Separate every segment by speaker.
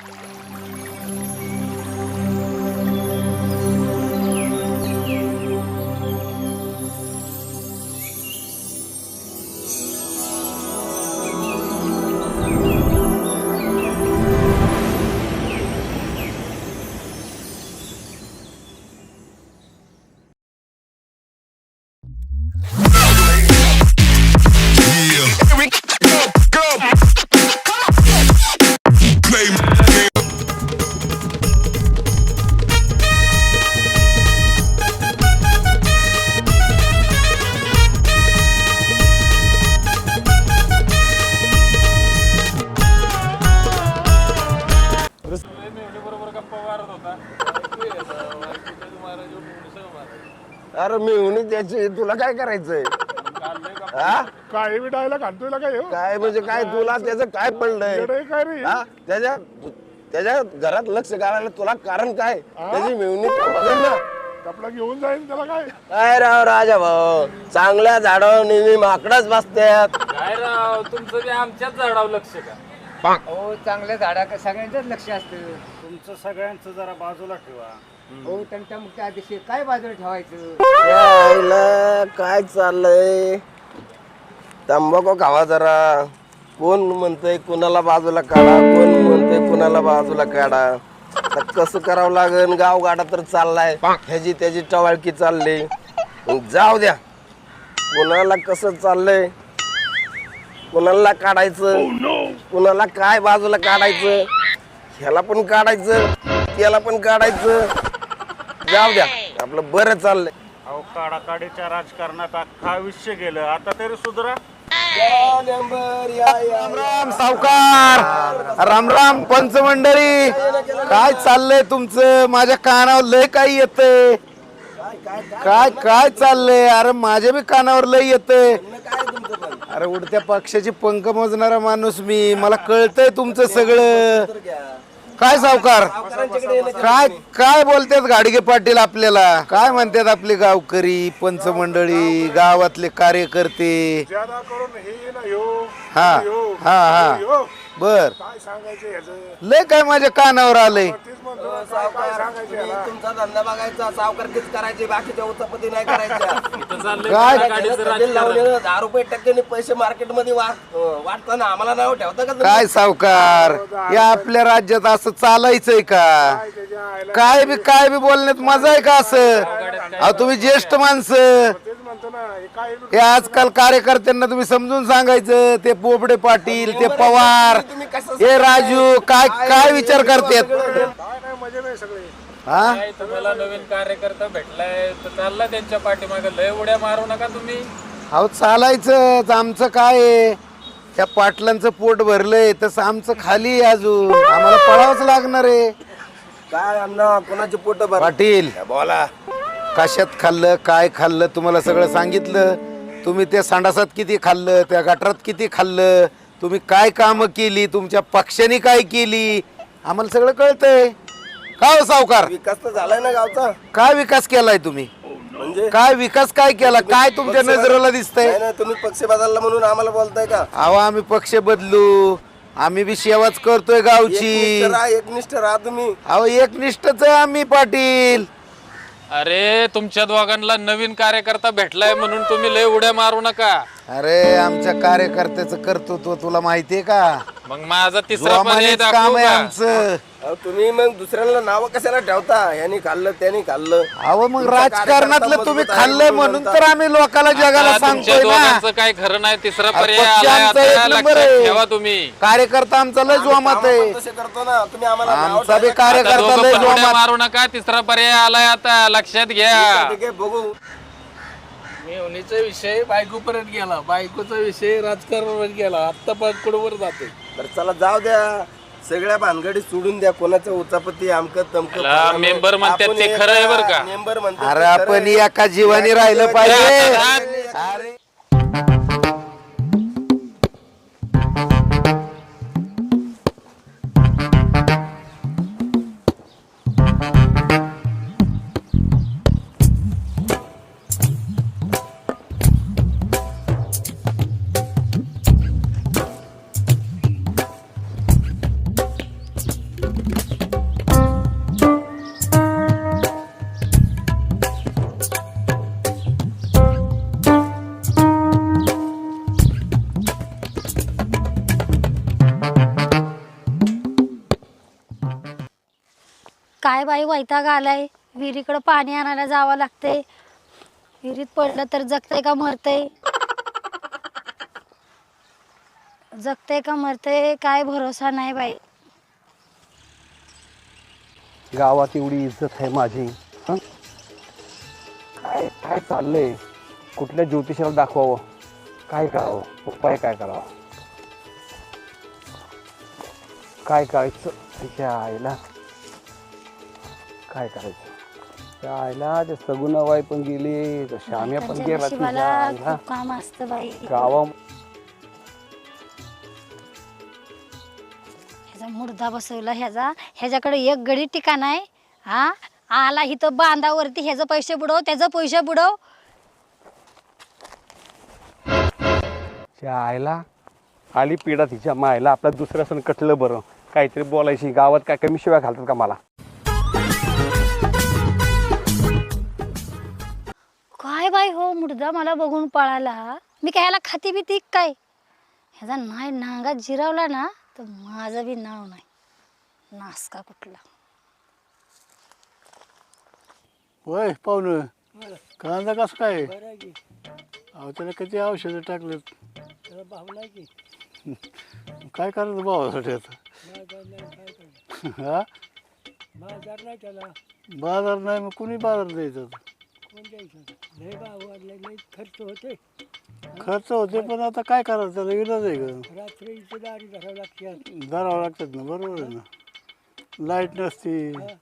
Speaker 1: अरे मी त्याची तुला काय करायचंय?
Speaker 2: काय विडायला घालतोय काय
Speaker 1: काय म्हणजे काय तुला त्याचं काय पडलंय?
Speaker 2: काय रे
Speaker 1: त्याच्या त्याच्या घरात लक्ष घालायला तुला कारण काय? त्याची मिळवणी ना
Speaker 2: कपडा घेऊन जाईल त्याला काय
Speaker 1: काय राव राजा भाऊ, चांगल्या झाडावर नेहमी माकडच बसतात.
Speaker 3: काय राव तुमचं ते आमच्याच झाडावर लक्ष का?
Speaker 4: हो चांगल्या झाडा सगळ्यांचंच लक्ष असतं.
Speaker 5: तुमचं सगळ्यांचं जरा बाजूला ठेवा.
Speaker 4: हो त्यांच्या मुख्य आदेश काय बाजूला ठेवायचं?
Speaker 1: यायला काय चाललंय? तंबाखू खावा जरा. कोण म्हणतंय कुणाला बाजूला काढा, कोण म्हणतंय कुणाला बाजूला काढा. आता कसं करावं लागेल? गावगाडा तर चाललाय, ह्याची त्याची टवाळकी चालली. जाऊ द्या, कुणाला कसं चाललंय, कुणाला काढायचं, कुणाला काय बाजूला काढायचं, ह्याला पण काढायचं, त्याला पण काढायचं. जाऊ द्या, आपलं बरं चाललंय.
Speaker 5: अहो काढाकाडीच्या राजकारणात अख्खा आयुष्य गेलं, आता तरी सुधरा.
Speaker 6: राम राम सावकार, राम राम पंचमंडळी. काय चाललंय तुमचं? माझ्या कानावर लय काही येतंय. काय काय चाललंय? अरे माझ्या बी कानावर लय येतंय. अरे उडत्या पक्षाची पंख मोजणारा माणूस मी, मला कळतंय तुमचं सगळं. काय सावकार, काय काय बोलतात गाडगे पाटील आपल्याला? काय म्हणतात आपले गावकरी, पंचमंडळी, गावातले कार्यकर्ते?
Speaker 2: ज्यादा करून हे ना ह्यो
Speaker 6: हा हा हा बर,
Speaker 2: काय सांगायचं ह्याचं
Speaker 6: लय काय माझ्या कानावर आलंय.
Speaker 2: तेच म्हणतो ना, काय सांगायचं ह्याला?
Speaker 1: तुमचा धंदा बघायचा, सावकारकीच करायची, बाकीच्या उचापती नाही करायच्या.
Speaker 6: काय?
Speaker 3: गाडीचं राजकारण.
Speaker 1: लावलेलं 10 रुपये टक्क्याने पैसे मार्केटमध्ये वाटताना आम्हाला नाव ठेवता का तुम्ही?
Speaker 6: काय सावकार, या आपल्या राज्यात असं चालायचंय का?
Speaker 2: त्याच्या आईला
Speaker 6: काय बी बोलण्यात मजा आहे का असं? अहो तुम्ही ज्येष्ठ माणसं,
Speaker 2: तेच म्हणतो ना, हे काय
Speaker 6: हे आजकाल कार्यकर्त्यांना तुम्ही समजून सांगायचं. ते पोपडे पाटील, ते पवार, हे राजू, काय काय विचार करतात?
Speaker 2: काय नाही मजे नाही सगळे.
Speaker 6: हा
Speaker 3: काय तुम्हाला नवीन कार्यकर्ता भेटलाय तर चालला त्यांच्या पाठीमागे, लय उड्या मारू नका तुम्ही.
Speaker 6: अहो चालायचं, आमचं काय आहे? त्या पाटलांचं पोट भरलंय तसं आमचं खाली आहे, अजून आम्हाला पळावंच लागणार आहे.
Speaker 1: काय अण्णा, कोणाचे पोट भर
Speaker 6: पाटील
Speaker 1: बोला.
Speaker 6: कशात खाल्लं, काय खाल्लं, तुम्हाला सगळं सांगितलं. तुम्ही त्या संडासात किती खाल्लं, त्या गटारात किती खाल्लं, तुम्ही काय कामं केली, तुमच्या पक्षाने काय केली, आम्हाला सगळं कळतंय. काय हो सावकार,
Speaker 1: विकास तर झालाय ना गावचा.
Speaker 6: काय विकास केलाय तुम्ही?
Speaker 1: म्हणजे
Speaker 6: काय विकास काय केला? काय तुमच्या नजरेला दिसतंय?
Speaker 1: नाही ना, तुम्ही पक्ष बदलला म्हणून आम्हाला बोलताय का?
Speaker 6: अहो आम्ही पक्ष बदलू, आम्ही बी सेवाच करतोय गावची.
Speaker 1: एकनिष्ठ राहा तुम्ही.
Speaker 6: अहो एकनिष्ठच आहे आम्ही पाटील.
Speaker 3: अरे तुमच्या दोघांना नवीन कार्यकर्ता भेटलाय म्हणून तुम्ही लय उड्या मारू नका.
Speaker 6: अरे आमच्या कार्यकर्त्याचं कर्तृत्व तुला माहितीये का?
Speaker 3: मग माझा तिसरा पर्याय
Speaker 6: जोमानेच
Speaker 3: दाखवू
Speaker 6: काम आहे
Speaker 3: का?
Speaker 6: आमचं.
Speaker 1: अहो, तुम्ही मग दुसऱ्याला नाव कशाला ठेवता? यांनी खाल्लं त्याने खाल्लं.
Speaker 6: अहो मग
Speaker 1: तुमचा
Speaker 6: राजकारणातलं
Speaker 1: कार्यकर्ता
Speaker 6: तुम्ही
Speaker 1: मजबूत आहे
Speaker 6: खाल्लंय म्हणून तर आम्ही लोकांना जगाला
Speaker 3: आता तुमच्या
Speaker 6: सांगतोय ना.
Speaker 3: दोघांचं काय खरं नाही, तिसरा
Speaker 6: अरे
Speaker 3: पर्याय
Speaker 6: पक्ष
Speaker 3: आलाय,
Speaker 6: आमचा
Speaker 3: आता
Speaker 6: एक नंबर
Speaker 3: लक्षात
Speaker 6: आहे.
Speaker 3: ठेवा तुम्ही.
Speaker 6: कार्यकर्ता आमचा लय जोमात
Speaker 1: कामं
Speaker 6: आहे.
Speaker 1: पण तसे करतो ना तुम्ही, आम्हाला नाव
Speaker 6: आमचा बी
Speaker 1: ठेवता.
Speaker 3: आता
Speaker 6: कार्यकर्ता
Speaker 3: दोघं
Speaker 6: लय
Speaker 3: पण उड्या
Speaker 6: जोमात.
Speaker 3: मारू नका, तिसरा पर्याय आलाय, आता लक्षात घ्या.
Speaker 1: ठीक आहे, बघू.
Speaker 7: मेवणीचा विषय बायकोपर्यंत गेला, बायकोचा विषय राजकारणावर गेला, आत्ता पकडवर जाते.
Speaker 1: तर चला जाऊ द्या, सगळ्या भानगडी सोडून द्या. कोणाचं उचापती आमकं तमकं
Speaker 3: ला, मेंबर म्हणतात
Speaker 1: आपण
Speaker 3: ते खरं आहे बरं का?
Speaker 1: मेंबर म्हणतात
Speaker 6: अरे
Speaker 1: ते खरं
Speaker 6: आपण
Speaker 1: आहे.
Speaker 6: एका जीवानी राहिलं पाहिजे.
Speaker 1: अरे
Speaker 8: काय बाई वैताग आलाय. विहिरीकडं पाणी आणायला जावं लागतंय. विहिरीत पडलं तर जगतंय का मरतंय, जगतंय का मरतंय काय भरोसा नाही बाई.
Speaker 9: गावात एवढी इज्जत आहे माझी. हं? काय काय चाललंय? कुठल्या ज्योतिषाला दाखवावं, काय करावं, उपाय काय करावा, काय करायचं तिच्या आईला, काय करायचं त्या आईला. ते सगुणाबाई पण गेली, श्याम्या पण
Speaker 8: त्यांच्या
Speaker 9: गेला
Speaker 8: नशिबाला
Speaker 9: तुझ्या आईला.
Speaker 8: खूप काम असतं बाई.
Speaker 9: गावा
Speaker 8: ह्याचा मुर्दा बसवला ह्याच्याकडे एक गडी ठिकाण आहे. हा आला इथं बांधावरती ह्याचं पैसे बुडव त्याचं पैसे बुडव.
Speaker 9: त्या आईला आली पिढा तिच्या मायला. आपल्या दुसऱ्या सण कटलं बरं, काहीतरी बोलायची. गावात काय कमी शिवाय घालतात का मला?
Speaker 8: काय बाई हो मुर्दा मला बघून पळाला. मी काय ह्याला खाती बिती काय? ह्याचा नाही नांगा जिरावला ना तर माझं बी नाव नाही. नासका कुठला.
Speaker 2: होय पाहुणं, कांदा कसं काय? अहो त्याला किती औषधं टाकलेत. काय करायचं भावासाठी आता? हा बाजार नाही, मग कुणी बाजार द्यायचा? खर्च होते पण आता काय करायचं, त्याला इलाज आहे का? धरावं लागतात ना, बरोबर आहे ना. लाईट नसती.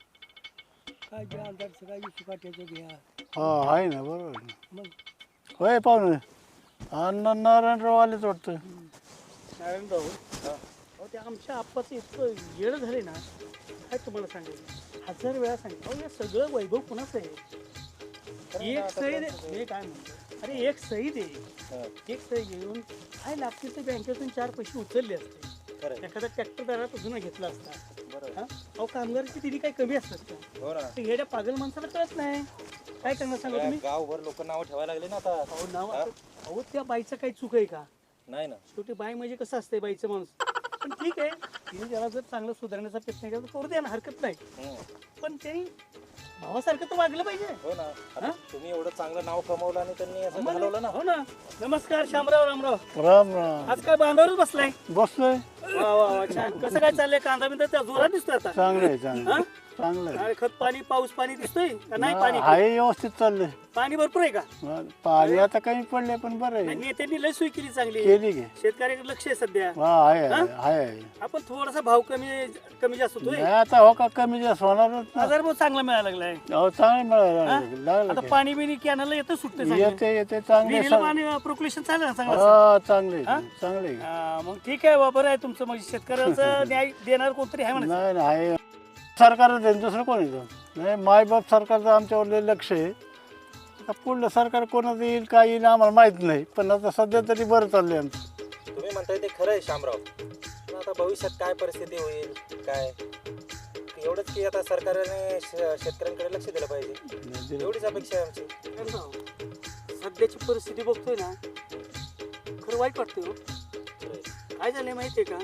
Speaker 2: हा आहे ना, बरोबर आहे ना. होय पाहुणे, अण्णा नारायणराव आलेच वाटतं.
Speaker 10: नारायणराव, अहो ते आमच्या आप्पाचं इतकं येडं झाले ना, काय तुम्हाला सांगायचं. 1000 वेळा सांगितलं. अहो हे सगळं वैभव कुणाचं आहे? एक सही दे. मी काय म्हणतो, अरे एक सही दे. एक सही घेऊन काय लागते ते बँकेतून 4 पैसे उचलले असते. एखादा ट्रॅक्टर दारात अजून घेतला असता. हा? अहो कामगाराची दिली काही कमी असतात का? ते येड्या पागल माणसाला कळत नाही. काय करणार सांगा तुम्ही?
Speaker 11: गावभर लोक नाव ठेवायला लागले ना आता.
Speaker 10: अहो नाव, अहो त्या बाईचं काही चूक आहे का?
Speaker 11: नाही ना,
Speaker 10: शेवटी बाई म्हणजे कसं असते बाईचं माणूस. पण ठीक आहे, तिने त्याला जर चांगलं सुधारण्याचा प्रयत्न केला तर करू द्या ना, हरकत नाही. पण त्यांनी भावासारखं तर वागलं पाहिजे.
Speaker 11: हो ना. आता तुम्ही एवढं चांगलं नाव कमवलं आणि त्यांनी असं घालवलं ना.
Speaker 10: हो ना. नमस्कार श्यामराव, रामराव.
Speaker 2: राम राम.
Speaker 10: आज काय बांधावरच बसलाय?
Speaker 2: बसलोय.
Speaker 10: वा वा वा, छान. कसं काय चाललंय? कांदा बिंदा त्या जोरात दिसतोय आता.
Speaker 2: चांगलं आहे, चांगलं आहे. चांगलं आहे.
Speaker 10: अरे खत पाणी पाऊस पाणी दिसतोय का नाही? पाणी
Speaker 2: आहे व्यवस्थित चाललंय.
Speaker 10: पाणी भरपूर आहे का?
Speaker 2: पाणी आता कमी पडले पण बरं आहे.
Speaker 10: नेत्यांनी लय सोय केली चांगली.
Speaker 2: केली की.
Speaker 10: शेतकऱ्याकडे लक्ष आहे सध्या.
Speaker 2: हा आहे. आपण
Speaker 10: थोडासा भाव कमी जास्त होतोय.
Speaker 2: आता हो का कमी जास्त होणारच ना.
Speaker 10: बाजार भाव चांगला मिळायला लागलाय.
Speaker 2: हो चांगलं मिळालं.
Speaker 10: आता पाणी बिणी कॅनलला येतं सुटतं.
Speaker 2: येते चांगले.
Speaker 10: पाणी प्रोक्लेशन चालू आहे चांगलं.
Speaker 2: चांगले.
Speaker 10: मग ठीक आहे बरोबर आहे तुमचं. म्हणजे शेतकऱ्याचं न्याय देणार कोणतरी आहे म्हणा.
Speaker 2: नाही सरकारच आहे, दुसरं कोण येतं नाही. मायबाप सरकारचं आमच्यावर लय लक्ष आहे. आता पुढलं सरकार कोणाचं येईल काय येईल आम्हाला माहित नाही, पण आता सध्या तरी बरं चाललंय आमचं.
Speaker 11: तुम्ही म्हणताय ते खरं आहे शामराव, पण आता भविष्यात काय परिस्थिती होईल काय, एवढंच की आता सरकारने शेतकऱ्यांकडे लक्ष दिलं पाहिजे, एवढीच अपेक्षा आहे आमची.
Speaker 10: सध्याची परिस्थिती बघतोय ना, खरं वाईट वाटतंय हो. काय झालंय माहितीये का,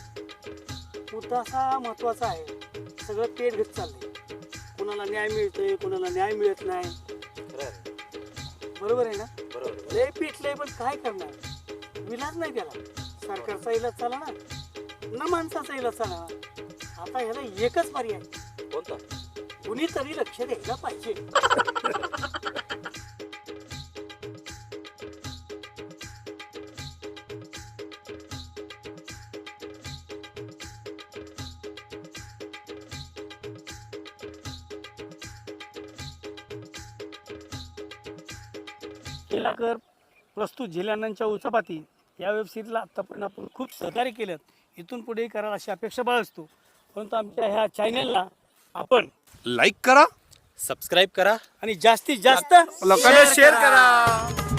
Speaker 10: मुद्दा असा महत्वाचा आहे. सगळं पेट घेत चाललंय. कोणाला न्याय मिळतोय, कोणाला न्याय मिळत नाही. बरोबर आहे ना?
Speaker 11: बरोबर.
Speaker 10: लय पिटलंय पण काय करणार, विलाज नाही त्याला. सरकारचा इलाज चाला ना माणसाचा इलाज चाला. आता ह्याला एकच पर्याय,
Speaker 11: कोणता?
Speaker 10: कुणीतरी लक्ष द्यायला पाहिजे. केलाकर प्रस्तुत झेल्यानांच्या उचापाती या वेबसिरीजला आत्तापर्यंत आपण खूप सहकार्य केलं. इथून पुढेही कराल अशी अपेक्षा बाळगतो. परंतु आमच्या ह्या चॅनलला आपण
Speaker 6: लाईक करा,
Speaker 11: सबस्क्राईब करा
Speaker 10: आणि जास्तीत जास्त
Speaker 6: लोकांना शेअर करा.